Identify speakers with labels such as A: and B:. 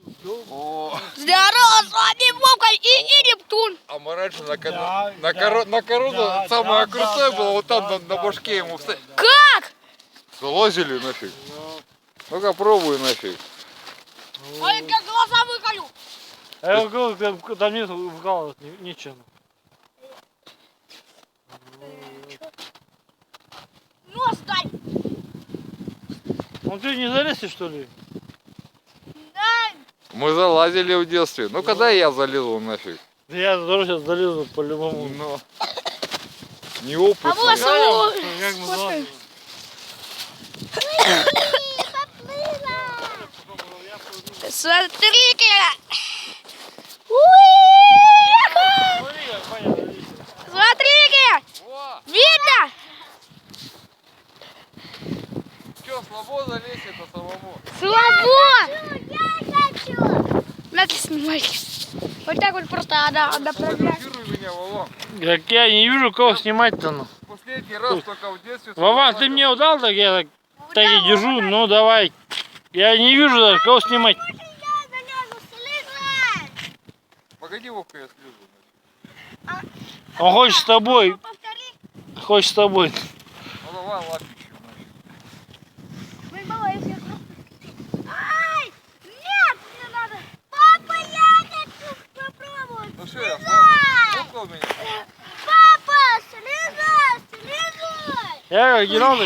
A: О,
B: Здорово, с вами Вовка и Нептун.
A: а мы раньше на корону самое крутое было вот там на башке ему встать.
B: Как?
A: Залазили нафиг. Ну-ка пробуй нафиг.
B: Ой, как глаза выколю.
C: А я говорю, там нет вкалывать ничего.
B: Нос дай.
C: Ну ты не залезешь, что ли?
B: Дай.
A: Мы залазили в детстве. Ну когда я залезу нафиг?
C: Да я тоже сейчас залезу по-любому.
A: Ну, неопытный.
B: А вот
C: Знаешь,
B: саму.
C: как мы залазим?
B: Смотри-ка.
C: Смотри, как понятно.
B: Смотри-ка.
A: Во,
B: Видно?
A: что, слабо залезть это самому?
B: Слабо. Я хочу. Надо снимать. Вот так вот просто направлять.
A: Фотографируй меня, Вован.
C: Как я не вижу, кого снимать-то. Ну.
A: Последний раз только в детстве.
C: Вован, ты мне удал, так я так и держу. Ну давай. Я не вижу даже, кого снимать.
A: Погоди, Вовка, я слезу.
C: Он хочет с тобой.
B: Повтори.
C: Хочет с тобой.
A: Ну давай лапищу.
B: Ай! Нет, мне надо. Папа, я хочу попробовать.
A: Ну что, я смогу? Сколько у меня?
B: Папа, слезай, слезай.
C: Я как генерал